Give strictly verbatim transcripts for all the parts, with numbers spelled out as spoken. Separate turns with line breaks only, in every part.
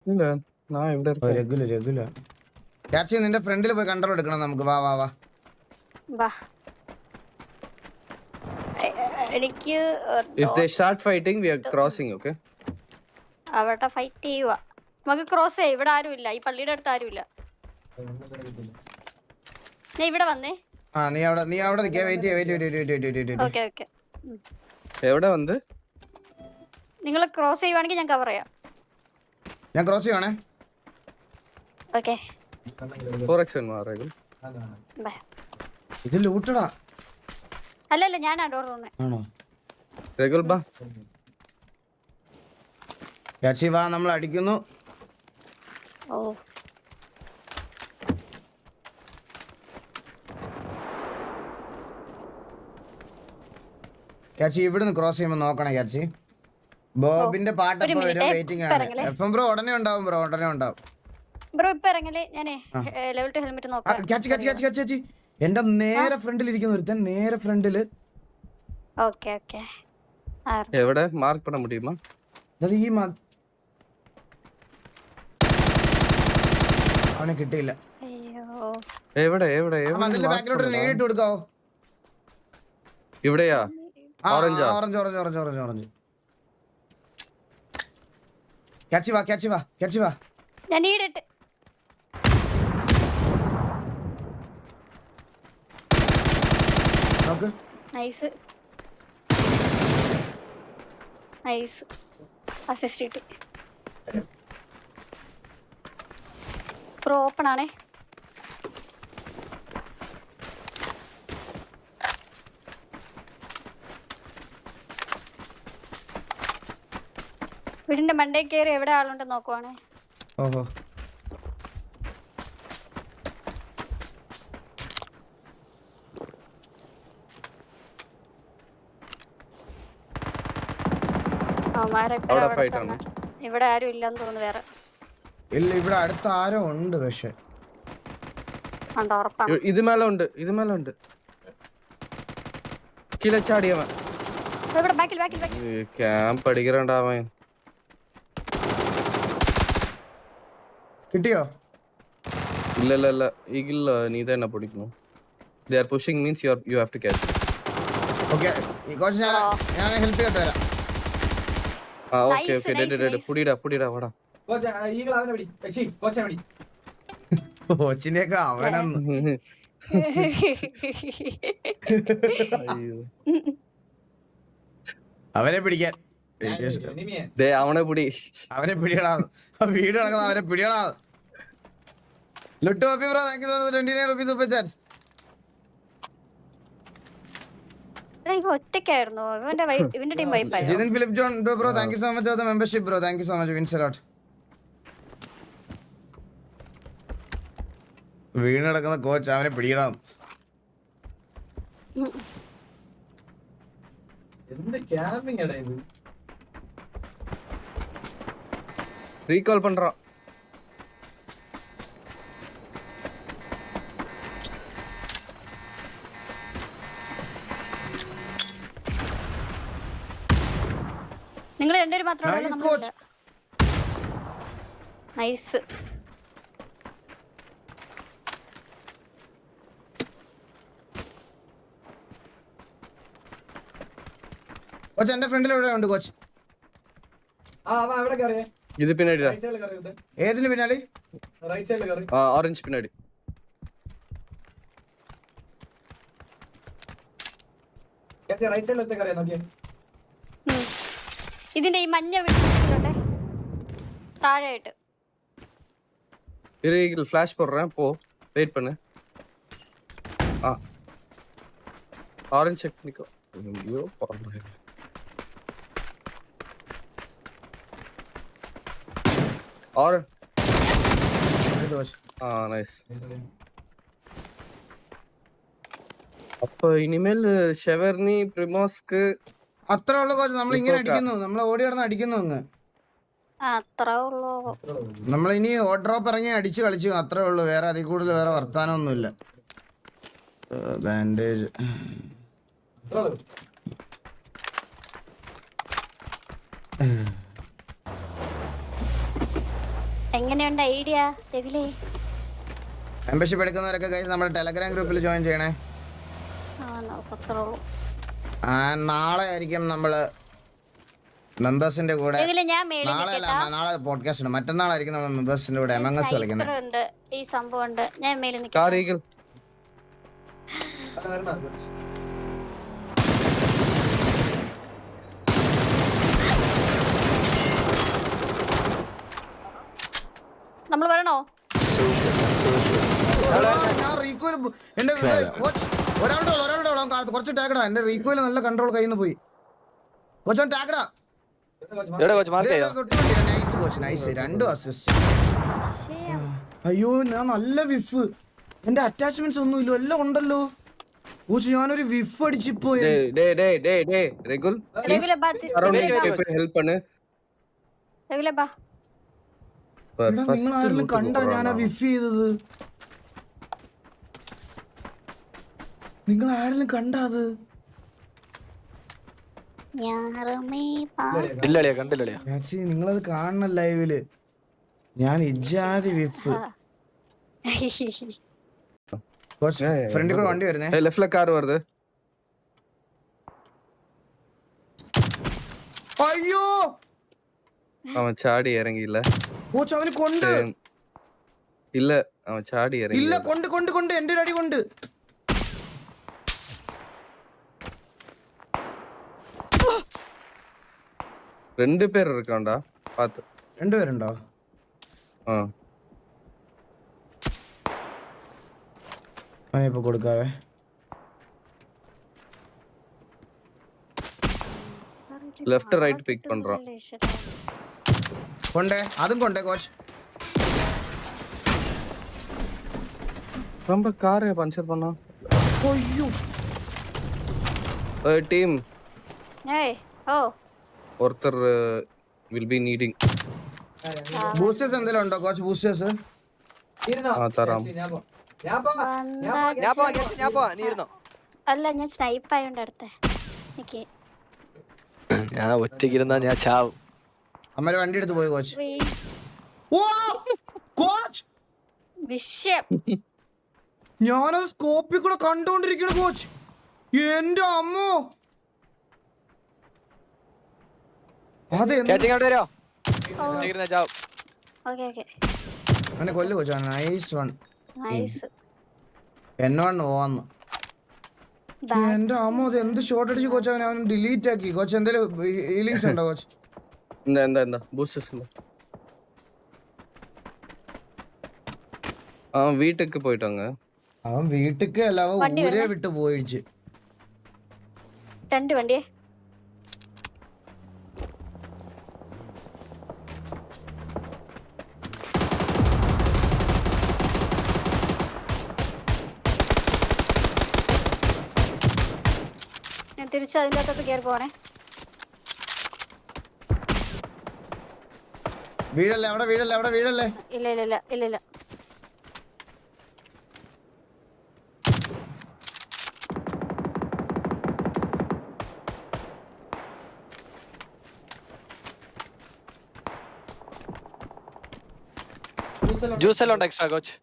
ഇല്ല ഞാൻ ഇവിടെ
ഓ രഘുല രഘുല ക്യാച്ച് നിന്റെ ഫ്രണ്ടിൽ പോയി കൺട്രോൾ എടുക്കണം നമുക്ക്. വാ വാ വാ
വാ. എ- എ- എനിക്ക്
if they start fighting we are crossing okay
അവിടെ ഫൈറ്റ് ചെയ്യുക. നമുക്ക് ക്രോസ് ചെയ്യാം. ഇവിടെ ആരും ഇല്ല, ഈ പള്ളിയുടെ അടുത്ത് ആരും ഇല്ല. ഞാൻ ഇവിടെ വന്നേ.
ആ നീ അവിടെ നീ അവിടെ നിൽക്കുക. വെയിറ്റ് ചെയ്യ wait wait wait wait
okay okay.
എവിടെ വന്ന്
നിങ്ങൾ ക്രോസ് ചെയ്യുവാണെങ്കിൽ ഞാൻ കവർ ചെയ്യാം.
ഞാൻ ക്രോസ് ചെയ്യണേ.
ഓക്കെ
four x മാറേക്കും
ബൈ.
ഇത് ലൂട്ടടാ.
അല്ലല്ല ഞാൻ ഡോർ തുറന്നേ.
ആണോ?
രഘുൽ ബാ.
ക്യാച്ചി വാ, നമ്മൾ അടിക്കുന്നു.
ഓ
ക്യാച്ചി ഇവിടുന്ന് ക്രോസ് ചെയ്യുമ്പോൾ നോക്കണം ക്യാച്ചി. ബോബിന്റെ പാട്ടപ്പോ വരും. വെയിറ്റിംഗ് ആണ്. എഫ് എം ബ്രോ ഉടനെ ഉണ്ടാവും. ബ്രോ ഉടനെ ഉണ്ടാവും.
ബ്രോ ഇപ്പൊ ഇറങ്ങലേ. ഞാനേ ലെവൽ ടു ഹെൽമെറ്റ് നോക്കാം.
Catch catch catch catch catch എന്റെ നേരെ ഫ്രണ്ടിൽ ഇരിക്കുന്ന ഒരുത്തൻ. നേരെ ഫ്രണ്ടില്.
Okay okay.
എവിടെ മാർക്ക് பண்ண முடியுமா?
അത് ഈ അവനെ കിട്ടിയില്ല.
അയ്യോ
എവിടെ എവിടെ
അതിന്റെ ബാക്കിലോട്ട് നേരിട്ട് കൊടുക്കാവോ?
ഇവിടെയാ?
Orange orange orange orange orange orange. Catch വാ ക്യാച്ച് വാ ക്യാച്ച് വാ.
ഞാൻ നീടിട്ട്
നോക്ക്.
നൈസ് നൈസ് അസിസ്റ്റ് കിട്ടി. പ്രോ ഓപ്പൺ ആണേ. വീടിന്റെ മണ്ടേ കയറി എവിടെ ആളുണ്ടെന്ന് നോക്കുവാണേ.
ഓഹോ
ഇവിടെ ആരും ഇല്ലെന്ന് തോന്നുന്നു. വേറെ
ഇല്ല, ഇവിടെ അടുത്ത് ആരോ ഉണ്ട്. പക്ഷെ
ഇത് മേലെ ഉണ്ട്. ഇത് മേലെ ഉണ്ട്. കിലച്ചാടിയവൻ ക്യാമ്പ് അടിക്കണ്ടാവൻ.
കിട്ടിയോ?
ഇല്ല ഇല്ല ഇല്ല ഈഗില്ല. നീ തന്നെ പിടിക്കുന്നു. They are pushing means you are you have to catch.
Okay coach ഞാൻ ഞാൻ ഹെൽപ്പ് ചെയ്തിട്ട് വരാം.
ആ ഓക്കേ ഓക്കേ ഡേ ഡേ ഡേ പുടിടാ പുടിടാ വാടാ.
കോച്ച് ഈഗിൾ അവനെ പിടി. എച്ചി കോച്ചനെ പിടി.
കോച്ചിനെയൊക്കെ അവനൊന്ന്
അയ്യോ
അവനെ പിടിക്കാൻ.
ദേ അവനെ പിടി.
അവനെ പിടിയടാ. വീട് നടക്കുന്ന അവനെ പിടിയടാ. ലുട്ടു happy bro thank you for twenty nine rupees super chat.
ഒറ്റയ്ക്കായിരുന്നു ഇവന്റെ ഇവന്റെ ടീം വൈപ്പായി.
Jithin Philip John bro thank you so much for the membership bro. Thank you so much വിൻസ് എ ലോട്ട്. വീണ് നടക്കുന്ന കോച്ച് അവനെ പിടിയടാ.
എന്ത് ക്യാമ്പിംഗ് ആണ് ഇത്?
റീകാൾ பண்றோம்.
നിങ്ങൾ രണ്ടുപേരും മാത്രമേ ഉള്ളൂ. നൈസ്.
കോച്ച് എന്റെ ഫ്രണ്ടിൽ എവിടെ ഉണ്ട് കോച്ച്?
ആ അവൻ അവിടെ കയറിയേ.
ഇത് പിന്നാടി
റൈറ്റ് സൈഡിൽ കയറി.
ഏതിന് പിന്നാലെ?
റൈറ്റ് സൈഡിൽ കയറി.
ആ ഓറഞ്ച് പിന്നാടി.
കേട്ടി റൈറ്റ് സൈഡിൽ എത്തി കയറിയാ നോക്കിയേ.
ഇതിന്റെ ഈ മഞ്ഞ വീട്ടിലുണ്ട് താഴെയായിട്ട്.
இரு ஃபிளாஷ் போடுறேன் போ வெயிட் பண்ணு. ஆ ஆரஞ்சு செக் நிக்கோ. ஐயோ பாருங்க. ஆர் ஆ நைஸ். அப்ப இனிமேல் ഷെവർനി പ്രിമോസ്ക്
അത്രേ ഉള്ളൂ കോച്ച്. നമ്മൾ ഇങ്ങനെ അടിക്കുന്നു. നമ്മൾ ഓടി കിടന്ന് അടിക്കുന്നു. അങ്ങ്
അത്രേ ഉള്ളൂ.
നമ്മൾ ഇനി ഓ ഡ്രോപ്പ് ഇറങ്ങി അടിച്ചു കളിച്ചു. അത്രേ ഉള്ളൂ. വേറെ അതിൽ കൂടുതൽ വേറെ വർത്താനമൊന്നുമില്ല. ബാൻഡേജ്
എങ്ങനെയുണ്ട് ഐഡിയ രവിലേ?
മെമ്പർഷിപ്പ് എടുക്കുന്നവരൊക്കെ കഴിഞ്ഞ് നമ്മുടെ ടെലഗ്രാം ഗ്രൂപ്പിൽ ജോയിൻ ചെയ്യണേ.
ആ നോക്കത്തുള്ളൂ.
ആ നാളെ ആയിരിക്കും നമ്മള് മെമ്പേഴ്സിന്റെ കൂടെ.
രവിലേ ഞാൻ മേളിൽ
നാളെ അല്ല,
നിൽക്കട്ടാ.
നാളെ പോഡ്കാസ്റ്റ് ഉണ്ട്. മറ്റന്നാളായിരിക്കും നമ്മൾ മെമ്പേഴ്സിന്റെ കൂടെ എം എം എസ് കളിക്കുന്നത്.
സൈക്കിൾ ഉണ്ട്, ഈ സംഭവം ഉണ്ട്. ഞാൻ മേളിൽ
കാർ
നിൽക്കാം.
ഈഗിൾ
വരണം കോച്ച്.
നമ്മൾ വരണോ?
ഞാൻ റീകോയിൽ എന്റെ കോച്ച് ഒരാളുടെ ഉള്ളു, ഒരാളുടെ ഉള്ളു. അവൻ കാ- കുറച്ച് ടാഗടാ. എന്റെ റീകോയിൽ നല്ല കൺട്രോൾ കയ്യിൽ നിന്ന് പോയി. കോച്ച് ടാഗടാ.
എന്താ കോച്ച്
നൈസ് കോച്ച്, നൈസ്. രണ്ടും അസിസ്റ്റ്.
ശ്ശേ.
അയ്യോ ഞാൻ നല്ല വിഫ്. എന്റെ അറ്റാച്ച്മെന്റ്സ് ഒന്നും ഇല്ല, എല്ലാം ഉണ്ടല്ലോ. കോച്ച് ഞാനൊരു വിഫ് അടിച്ചിപ്പോ.
ഡേ ഡേ ഡേ ഡേ ഡേ റെഗുൽ
രവിലേ ബാ, തി-
അറൗണ്ട്
തിരിച്ച്
ദീസ്
വാ.
പീപ്പിൾ ഹെൽപ്പ് பண்ணு.
രവിലേ ബാ.
നിങ്ങൾ ആരെങ്കിലും കണ്ടാ ഞാൻ ആ വിഫ് ചെയ്തത്? നിങ്ങൾ ആരെങ്കിലും കണ്ടാ അത്?
യാറമേ പാ.
ഇല്ലളിയാ കണ്ടില്ലളിയാ.
മാക്സി നിങ്ങളത് കാണണം ലൈവില്. ഞാൻ ഇജാതി വിഫ്. കോച്ച് ഫ്രണ്ടിൽ കൂടെ വണ്ടി വരുന്നേ.
ஏய் லெஃப்ட்ல கார் வருது.
അയ്യോ
அவன் சாடி இறங்கி இல்ல.
കോച്ച് അവന് കൊണ്ട്
இல்ல அவன் சாடி இறங்கி
ഇല്ല കൊണ്ട് കൊണ്ട് കൊണ്ട് എന്റെ ഒരു അടി കൊണ്ട്.
ரெண்டு பேர் இருக்கான்டா பாத்து.
രണ്ടുപേരുണ്ടോ?
ஆ
അവനിപ്പോ കൊടുക്കാവേ.
லெஃப்ட் ரைட் பிக் பண்றான்.
കൊണ്ടേ അതും കൊണ്ടേ കോച്ച്.
ரொம்ப காரை பஞ்சர் பண்ணா.
അയ്യോ
ஏய் டீம்
ഏയ് ഓ
ஒருத்தர் will be needing.
ബൂസ്റ്റേഴ്സ് എന്തെങ്കിലും ഉണ്ടോ കോച്ച്? ബൂസ്റ്റേഴ്സ്
ഇരുന്നോ?
ആ, തരാം.
ഞാൻ പോ. ഞാൻ പോ.
വന്നാ-
ഞാൻ പോവാ ഞാൻ- ഞാൻ പോവാ, നീ ഇരുന്നോ.
അല്ല ഞാൻ സ്നൈപ്പ് ആയോണ്ട് അടുത്തെ നിക്ക്.
ഞാൻ ഒറ്റയ്ക്ക് ഇരുന്നാ ഞാൻ ചാവും.
അമ്മ വണ്ടി എടുത്ത് പോയി കോച്ച്.
വീ-
ഓ കോച്ച്
വിഷയം.
ഞാനത് സ്കോപ്പിൽ കൂടെ കണ്ടോണ്ടിരിക്കണ കോച്ച്. എന്റെ അമ്മോ അതെന്ത്
കാച്ചിങ് അവിടെ വരുമോ?
ഓ
ഒറ്റയ്ക്ക് ഇരുന്നാ ചാവും.
ഓക്കെ ഓക്കെ
അവനെ കൊല്ലു കോച്ച്. Nice one.
നൈസ്.
എന്നെ വൺ ഓന്ന്. എന്റെ അമ്മോ അത് എന്ത് ഷോട്ട് അടിച്ച് കോച്ച്. അവൻ അവൻ ഡിലീറ്റ് ആക്കി കോച്ച്. എന്തെങ്കിലും ഹീലിങ്സ് ഉണ്ടോ കോച്ച്?
இந்த இந்த இந்த பூஸ்டர்ஸ் இந்த. அவன் வீட்டுக்கு போயிட்டாங்க.
അവൻ വീട്ടിക്ക് അല്ല, അവൻ
വണ്ടി
ഊരെ
വരണേ.
വിട്ട് പോയിടിച്ച്.
രണ്ട് വണ്ടിയെ ഞാൻ തിരിച്ച് അതിൻ്റെ അകത്തോട്ട് കയറി പോണേ.
വീടല്ലേ അവിടെ, വീടല്ലേ അവിടെ, വീടല്ലേ.
ഇല്ല ഇല്ല ഇല്ല ഇല്ല ഇല്ല.
ജ്യൂസ് എല്ലാം ഉണ്ട് എക്സ്ട്രാ കോച്ച്.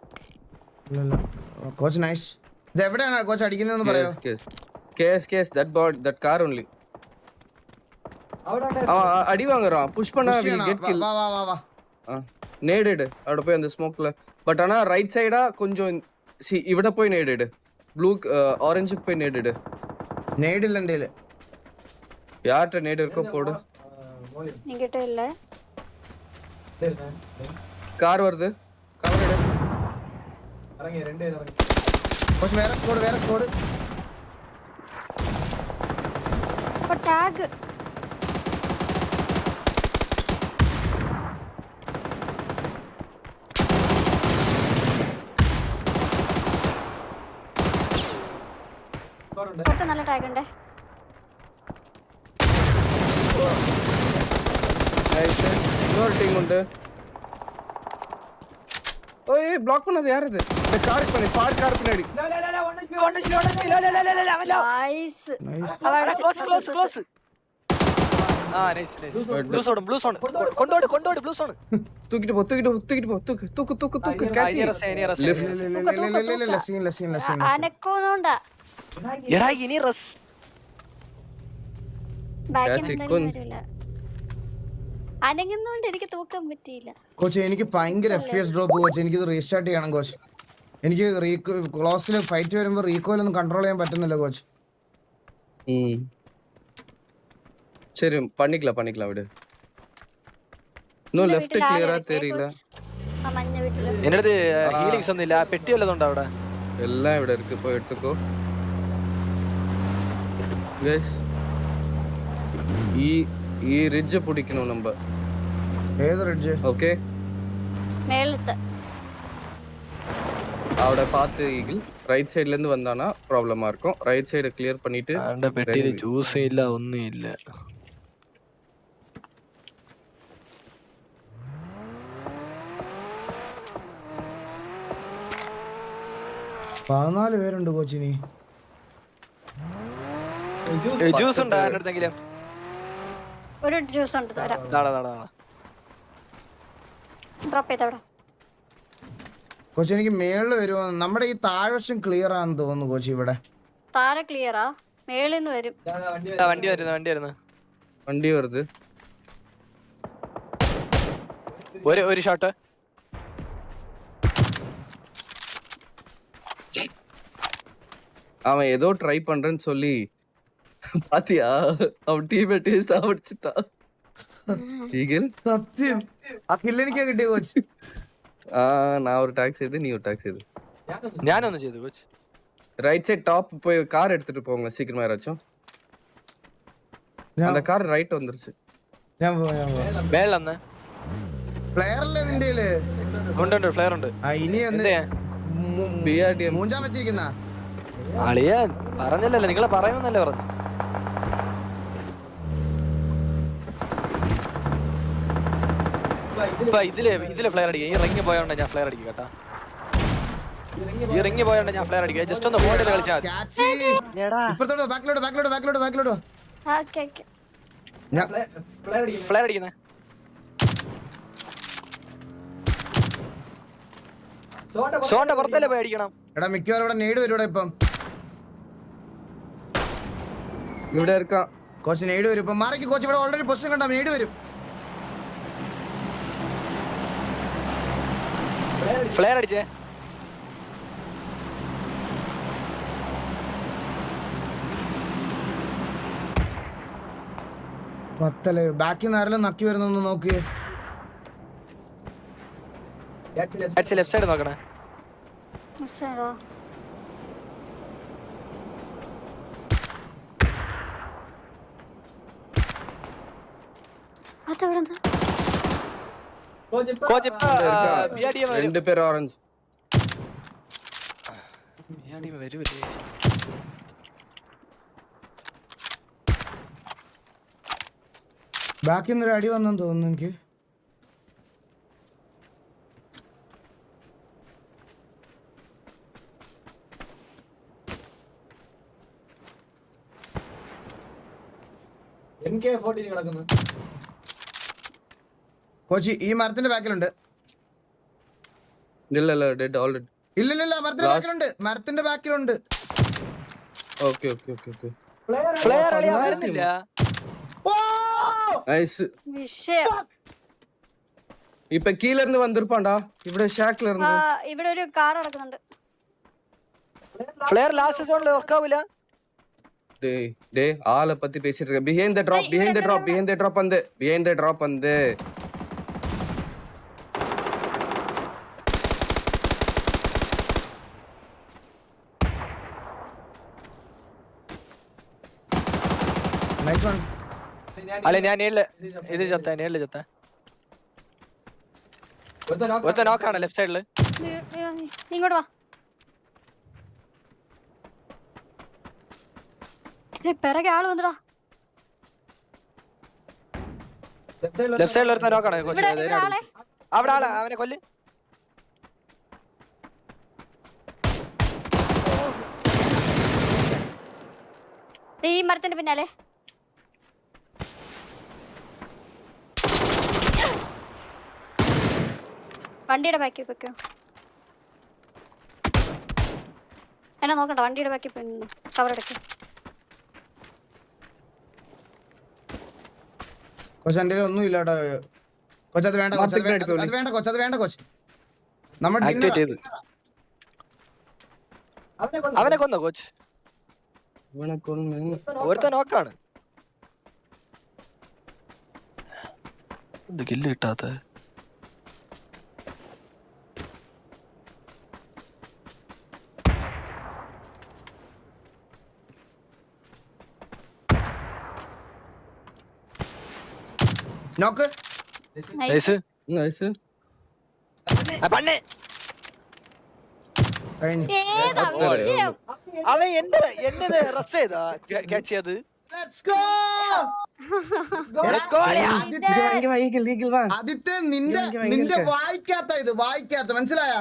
Coach nice. ഇത് എവിടെയാണ് കോച്ച് അടിക്കുന്നതെന്ന് പറയോ?
Case case case that pot that car only.
അവിടെ ഉണ്ട്.
அவன் அ- அடி வாங்குறான். புஷ் பண்ணா
Push
will
ചെയ്യണോ?
get
വാ,
kill.
വാ വാ വാ വാ.
நேடட் അവിടെ പോയി அந்த ஸ்மோக்ல. பட் ஆனா ரைட் சைடா கொஞ்சம் see ഇവിടെ പോയി நேடட். ப்ளூ ஆரஞ்சுக்கு போய் நேடட்.
നേടില്ല എന്റെ കയ്യില്.
யார்ட்ட நேடு இருக்கோ போடு.
മോളി.
എനിക്കിട്ടോ ഇല്ലേ.
ഇല്ല,
கார் வருது. கார் எடு.
ഇറങ്ങി രണ്ടുപേരും ഇറങ്ങി.
കോച്ച് വേറെ സ്കോഡ്, വേറെ സ്കോഡ്.
അപ്പൊ ടാഗ്
സ്ക്വാഡ് ഉണ്ട്.
പുറത്ത് നല്ല ടാഗ് ഉണ്ട്.
நைஸ். இன்னொரு டீம் உண்டு. ஓய் பிளாக் பண்ணது யார் இது? இந்த காருக்கு பண்ணி பார் கார் பின்னாடி.
ലാ, ലാ, ലാ, ലാ, one H P, one H P, one H P.
Nice.
Nice.
അവിടെ
ക്ലോസ് ക്ലോസ് ക്ലോസ്. ആ nice nice blue zone blue zone കൊണ്ടോട് കൊണ്ടോട് ബ്ലൂ സോൺ
தூக்கிட்டு போ தூக்கிட்டு போ தூக்கிட்டு போ தூக்கு தூக்கு தூக்கு தூக்கு catch it. Lift.
Scene scene scene
അനക്കോണ്ടാ
എടാ ഇനി റസ്
ബാക്കിൽ
Catch it,
നിന്ന്
kun.
വരില്ല. അനങ്ങുന്നോണ്ട് എനിക്ക് തൂക്കാൻ പറ്റിയില്ല.
കോച്ച് എനിക്ക് ഭയങ്കര എഫ് എസ് ഡ്രോപ്പ് കോച്ച് എനിക്കിത് റീസ്റ്റാർട്ട് ചെയ്യണം കോച്ച് എനിക്ക് റീകോ ക്ലോസിൽ ഫൈറ്റ് വരുമ്പോൾ റീകോയിലൊന്നും കൺട്രോൾ ചെയ്യാൻ പറ്റുന്നില്ല കോച്ച്
ம் சரி பண்ணிக்கலாம் பண்ணிக்கலாம் விடு இன்னும்
എന്റെ
லெஃப்ட்
വീട്ടിൽ ആരും
ക്ലിയറാ
ഇല്ലേ,
தெரியல
coach? ആ മഞ്ഞ വീട്ടില്.
എന്റെ അടുത്ത് ഹീലിങ്സ് ഒന്നും ഇല്ല പെട്ടി വല്ലതുണ്ടോ അവിടെ
எல்லாம் ഇവിടെ இருக்கு போய் எடுத்துக்கோ guys ഈ ഈ റിഡ്ജ് പിടിക്കണം നമ്മ
ഏത് റിഡ്ജ്
ഓക്കെ
മേളത്ത്.
അവിടെ பார்த்து ஈகிள் ரைட் சைடுல இருந்து வந்தானா ப்ராப்ளமா இருக்கும் ரைட் சைடு கிளியர் பண்ணிட்டு
അവന്റെ പെട്ടിയിൽ ജ്യൂസ് ഇല്ല ഒന്നും ഇല്ല
പതിനാല് പേരുണ്ട് കോച്ചിനി
ജ്യൂസ് ഉണ്ടോ അവന്റെ അടുത്തെങ്കിലും
ഒരു ജ്യൂസ് ഉണ്ട് തരാം.
നാടാ നാടാ
ഡ്രോപ്പ് ചെയ്തവിടെ.
കോച്ച് എനിക്ക് മേളിൽ വരുമോ നമ്മുടെ ഈ താഴ്വശം ക്ലിയർ ആണെന്ന് തോന്നുന്നു കോച്ച് ഇവിടെ
താര ക്ലിയറാ മേളിൽ നിന്ന് വരും.
വണ്ടി വരുന്നു വണ്ടി വരുന്നു
വണ്ടി വരുത്
ഒരു ഒരു ഷോട്ട്
அவன் ஏதோ ட்ரை பண்றேன்னு சொல்லி பாத்தியா அவன் டீமேட் சாவடிச்சிட்டான் ஈகிள்
സത്യം ആ കില്ലെനിക്കാ കിട്ടിയ കോച്ച്
ആ நான் ஒரு டாக்ஸ் செய்து நீ ஒரு டாக்ஸ் செய்து
ഞാനൊന്നും ചെയ്തു കോച്ച്
ரைட் சைடு டாப் போய் கார் எடுத்துட்டு போங்க சீக்கிரமா யாராச்சும்
ഞാൻ
அந்த கார் ரைட் வந்துருச்சு
ഞാൻ പോവാം, ഞാൻ പോവാം.
മേളിലന്ന്
ഫ്ലെയറല്ലേ നിന്റെ കയ്യില്?
ഉണ്ട് ഉണ്ട് ഫ്ലെയർ ഉണ്ട്
ആ ഇനി ഒന്ന്
എന്തേ
മൂ-
ബി ആർ ഡി എം
മൂഞ്ചാൻ വെച്ചിരിക്കുന്ന
അളിയ പറഞ്ഞല്ലോ നിങ്ങളെ പറയുമെന്നല്ലേ പറഞ്ഞു ഇപ്പൊ ഇതില് ഇതില് ഫ്ലെയർ അടിക്കുക ഈ റിങ് പോയോണ്ട് ഞാൻ ഫ്ലെയർ അടിക്കും കേട്ടാ ഈ റിങ് പോയോണ്ട് ഞാൻ ഫ്ലെയർ അടിക്കുക ജസ്റ്റ് ഒന്ന് ഫോണിൽ കളിച്ചാൽ
ക്യാച്ച് ഇപ്പുറത്തോട്ടോ ബാക്കിലോട്ടോ ബാക്കിലോട്ടോ ബാക്കിലോട്ടോ ബാക്കിലോട്ടോ
ഓക്കെ ഓക്കെ.
ഞാൻ
ഫ്ലെയർ അടിക്കുന്നേ സോണ്ട പുറത്തല്ലേ പോയി അടിക്കണം
എടാ മിക്കവാറും ഇവിടെ നേട് വരും ഇപ്പം
ഇവിടെ இருக்கான்
കോച്ച് നേട് വരും ഇപ്പം മാറിക്ക് കോച്ച് ഇവിടെ ഓൾറെഡി പൊസിഷൻ കണ്ടാ നേട് വരും
ഫ്ലെയർ അടിച്ചേ
പത്തല് ബാക്കിൽ നിന്ന് ആരെല്ലാം നക്കി വരുന്നൊന്ന് നോക്കിയേ
ലെഫ്റ്റ് സൈഡ് നോക്കണേ
ശരിടാ. അതെവിടെ നിന്ന്?
കോച്ച് ഇപ്പൊ ബി ആർ ഡി എം വരും
ரெண்டு பேர் ஆரஞ்சு
ബി ആർ ഡി എം വരൂല്ലേ
ബാക്കിൽ നിന്നൊരു അടി വന്നെന്ന് തോന്നുന്നു എനിക്ക്
എം കെ ഫോർട്ടീൻ കിടക്കുന്നു.
കോച്ച് ഈ മരത്തിന്റെ ബാക്കിലുണ്ട്
இல்ல இல்ல டெட் ஆல்ரெடி
ഇല്ലില്ല മരത്തിന്റെ
Last-
ബാക്കിലുണ്ട് മരത്തിന്റെ ബാക്കിലുണ്ട്
okay okay okay okay
flare അളിയാ വരുന്നില്ല
நைஸ்
വിഷയം.
இப்ப கீழ இருந்து வந்திருப்பான்டா ഇവിടെ ഷാക്ல
ആ,
இருந்து
ഇവിടെ ഒരു കാർ നടക്കുന്നുണ്ട്.
ഫ്ലെയർ ലാസ്റ്റ് സോണിൽ വർക്ക് ആവില്ല
டேய் டேய் ஆளை பத்தி பேசிட்டு இருக்க behind the drop
டேய்,
behind the
இவனை
drop behind the drop வந்து behind the drop வந்து
നൈസ് വൺ
അല്ല ഞാൻ നേരില് ഇത് ചത്ത നേരില് ചത്ത ഒരുത്ത നോക്കാണ് ലെഫ്റ്റ് സൈഡില്
നീ- നീ- നീ ഇങ്ങോട്ട് വാ. ഏയ്, പിറകെ ആള് വന്നടാ.
ലെഫ്റ്റ് സൈഡിൽ ഒരുത്ത നോക്കാണ്
ഇവിടെ ഇവിടെ ആളെ.
അവിടെ ആളെ അവനെ കൊല്ല്
ദേ ഈ മരത്തിന്റെ പിന്നാലെ. വണ്ടിയുടെ ബാക്കി വെക്കോ. എന്നെ നോക്കണ്ട, വണ്ടിയുടെ ബാക്കി പോയി നിന്നു. കവർ എടുക്ക.
കൊച്ച് എന്റെ ഒന്നും ഇല്ല കേട്ടോ കൊച്ച്. അത് വേണ്ട കൊച്ച്, അത് വേണ്ട, അത് വേണ്ട കൊച്ച്, അത് വേണ്ട കൊച്ച്. നമ്മൾ
ആക്ടിവേറ്റ് ചെയ്ത്
അവനെ കൊന്നു.
അവനെ കൊന്നോ കോച്ച്?
ഇവനെ കൊന്ന്
ഒരുത്ത നോക്കാണ്. ഇത് കില്ല് കിട്ടാത്ത
നോക്ക്.
നൈസ്.
നൈസ്.
പണ്ണേ
കഴിഞ്ഞു.
ഏതാ വിഷയം?
അവൻ എന്റെ എന്നത് റസ് ചെയ്താ ക്യാച്ച് ചെയ്ത്.
Let's go.
Let's go, അളിയാ.
ആദിത്യ,
വാ ഈഗിൾ ഈഗിൾ വാ.
ആദിത്യ നിന്റെ
ഭയങ്കര
നിന്റെ
ഇഷ്ടം.
വായിക്കാത്ത ഇത് വായിക്കാത്ത മനസ്സിലായ